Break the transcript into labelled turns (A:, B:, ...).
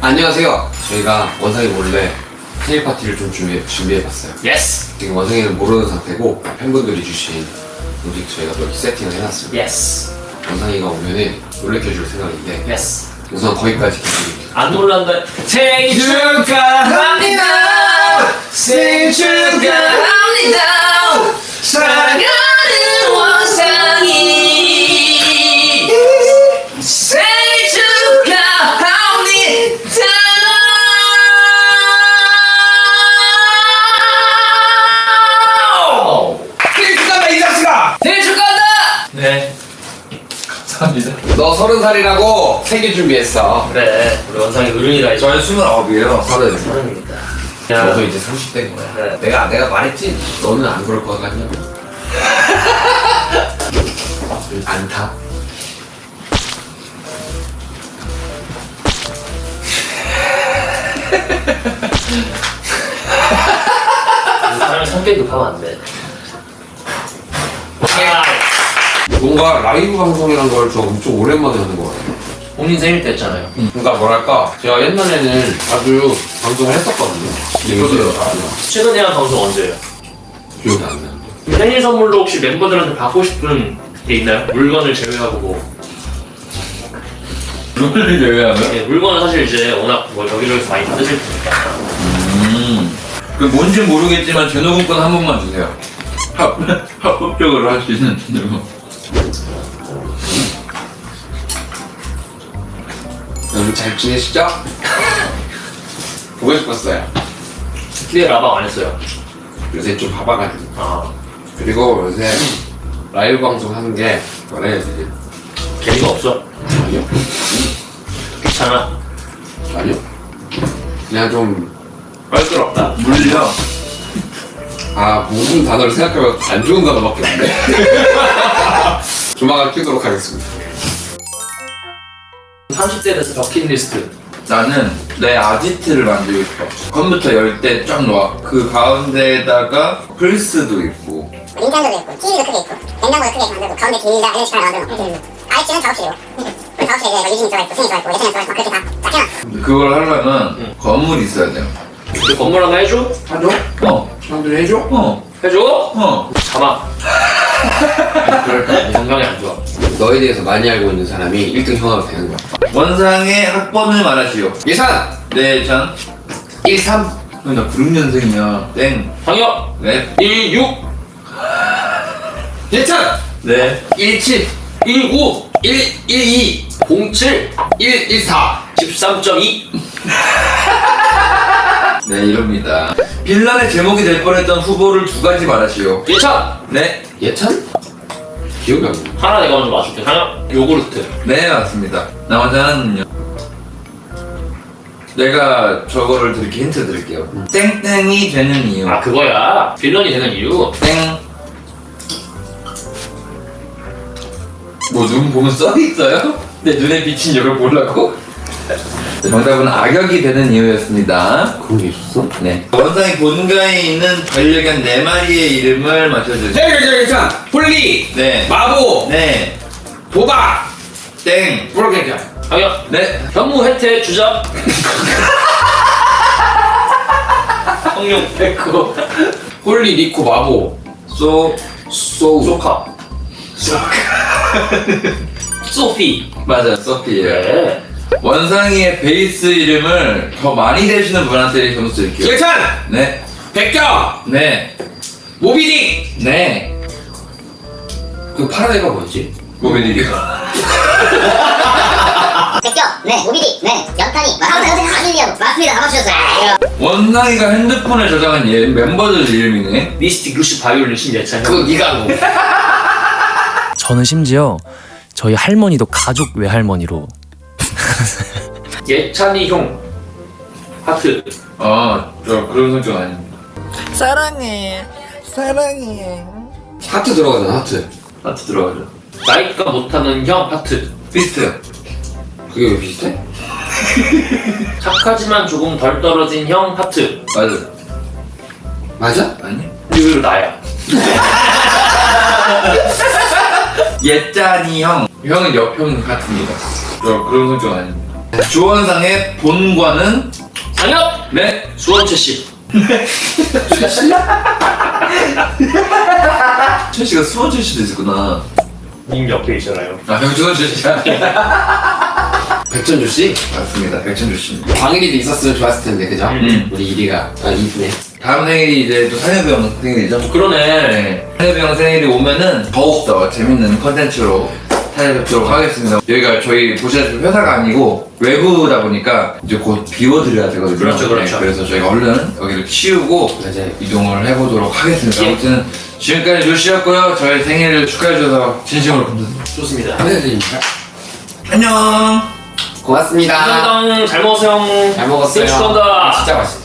A: 안녕하세요. 저희가 원상이 몰래 생일 파티를 좀 준비해봤어요.
B: 예스!
A: 지금 원상이는 모르는 상태고 팬분들이 주신 음식 저희가 또 이렇게 세팅을 해놨습니다.
B: 예스!
A: 원상이가 오면은 놀래켜줄 생각인데
B: 예스!
A: 우선 거기까지 기다립니다.
B: 안 놀란다. 생일 축하합니다! 생일 축하합니다! 사랑하는 원상이 생일 축하합니다!
C: 생일 축하한다 이 자식아!
B: 생일 축하한다! 네.
C: 감사합니다.
A: 너 30살이라고 생일 준비했어.
B: 그래, 우리 원상이 어른이다.
C: 저는 29이에요.
A: 서른.
B: 서른입니다.
A: 너도 이제 30대인 거야.
B: 네.
A: 내가 말했지? 너는 안 그럴 것 같냐고. 안 타?
B: 사람이 성격이 급하면 안 돼.
A: 뭔가 라이브 방송이란 걸 좀 엄청 오랜만에 하는 것 같아요.
B: 본인 생일 때 했잖아요.
A: 그러니까 뭐랄까 제가 옛날에는 자주 방송을 했었거든요. 근데 요즘은 아니야.
B: 최근에 한 방송 언제예요?
A: 기억이 안 나는데.
B: 생일 선물로 혹시 멤버들한테 받고 싶은 게 있나요? 물건을 제외하고 뭐.
C: 룰을 제외하면?
B: 네, 물건은 사실 이제 워낙 뭐 여기저기서 많이 받으실 테니까.
C: 그 뭔지 모르겠지만 제노군권 한 번만 주세요. 합법적으로 할 수 있는 제노.
A: 여러분 잘 지내시죠? 보고 싶었어요.
B: 근데 라방 안 했어요.
A: 요새 좀 바빠가지고.
B: 아,
A: 그리고 요새 라이브 방송 하는 게 뭐라 해야 되지?
B: 재미가 없어.
A: 아니요?
B: 귀찮아.
A: 아니요? 그냥 좀
B: 껄끄럽다.
C: 물려.
A: 무슨 단어를 생각하면 안 좋은 단어밖에 없네. 조만간 키우도록 하겠습니다.
B: 30대 돼서 버킷리스트.
C: 나는 내 아지트를 만들고 싶어. 컴퓨터 열 때 쫙 놓아. 그 가운데에다가 플스도 있고.
D: 닌텐도도 있고, TV도 크게 있고, 냉장고도 크게 만들고, 가운데 비닐이랑 LC판을 만들고, IH는 작업실이고, 작업실에 이제 유진이 들어있고, 승이 들어있고, 예전에 들어있고, 그렇게 다 해놔.
C: 그걸 하려면 건물이 있어야 돼요.
B: 우리 건물 하나 해줘?
A: 하죠?
C: 어.
A: 사람들이 해줘?
B: 해줘?
C: 어.
B: 가마. 그럴까? 건강이 안 좋아.
A: 너에 대해서 많이 알고 있는 사람이 1등 형아가 되는 거야.
C: 원상의 학번을 말하시오.
A: 예산!
C: 네, 전.
A: 13!
C: 나 96년생이야. 땡.
B: 상혁!
C: 네.
B: 16!
A: 예찬!
C: 네.
A: 17!
B: 19!
A: 112!
B: 07!
A: 114!
B: 13.2!
C: 네, 이럽니다. 빌런의 제목이 될 뻔했던 후보를 두 가지 말하시오.
B: 예찬!
C: 네.
A: 예찬? 기억이 안 나.
B: 하나 내가 먼저 맞출게. 상혁! 요구르트.
C: 네, 맞습니다. 나머지 하나는요. 내가 저거를 이렇게 힌트 드릴게요. 땡땡이 되는 이유.
B: 아, 그거야. 빌런이 되는 이유.
C: 땡. 뭐 눈 보면 써있어요? 내 눈에 비친 이걸 보려고? 정답은 악역이 되는 이유였습니다.
A: 그런 게 있었어?
C: 네. 원상이 본가에 있는 반려견 4마리의 이름을 맞춰주세요.
A: 예찬! 폴리!
C: 네.
A: 마보!
C: 네.
A: 보바!
C: 땡.
A: 프로게이션!
B: 상혁!
C: 네.
B: 현무 혜태 주작. 성룡 백호.
A: 폴리, 리코, 마보
C: 소.
B: 소카. 소피.
C: 맞아, 소피예요.
B: 네.
C: 원상이의 베이스 이름을 더 많이 대시는 분한테 점수 드릴게요.
A: 예찬!
C: 네.
A: 백경!
C: 네.
A: 모비딕!
C: 네.
A: 그 파란 애가 뭐였지?
C: 모비디가.
D: 백경, 네, 오비디, 네, 연탄이, 맞습니다. 아밀리아도, 맞습니다. 다 맞추셨어요.
C: 원상이가 핸드폰에 저장한 멤버들 이름이네.
B: 미스틱, 루시, 바이올린, 신예찬.
A: 그거 네가 한 거.
E: 저는 심지어 저희 할머니도 가족 외할머니로
B: 예찬이 형. 하트.
C: 저 그런 성격 아닙니다.
F: 사랑해, 사랑해.
A: 하트 들어가잖아, 하트.
C: 하트 들어가죠.
B: 나이가 못하는 형. 하트.
C: 비슷해요.
A: 그게 왜 비슷해?
B: 착하지만 조금 덜 떨어진 형. 하트.
C: 맞아.
A: 맞아?
C: 아니?
B: 의외로 나야.
C: 예짠이 형. 형은 옆형 같습니다. 저 그런 성격 아닙니다. 주원상의 본관은
B: 상혁!
C: 네.
B: 수원채 씨.
C: 최 씨가 수원 출신도 있었구나.
B: 님 옆에 있잖아요.
C: 아, 병주원 출신이야.
A: 백천주 씨?
C: 맞습니다. 백천주 씨.
A: 광일이도 있었으면 좋았을 텐데, 그죠? 우리 이리가. 아, 이쁘네.
C: 다음 생일이 이제 또 상엽이 생일이죠?
B: 그러네.
C: 네. 상엽이 형 생일이 오면은 더욱더 재밌는 컨텐츠로 찾아뵙도록 하겠습니다. 여기가 저희 보시다시피 회사가 아니고 외부다 보니까 이제 곧 비워드려야 되거든요.
B: 그렇죠, 그렇죠.
C: 네, 그래서 저희가 얼른 여기를 치우고
A: 맞아요.
C: 이동을 해보도록 하겠습니다.
B: 예.
C: 아무튼 지금까지 조씨였고요. 저희 생일을 축하해주셔서 진심으로 감사드립니다.
B: 좋습니다.
A: 감사드립니다.
C: 안녕!
A: 고맙습니다.
B: 감사합니다. 잘 먹었어요.
A: 잘 먹었어요.
B: 생일 축하한다.
A: 진짜 맛있다.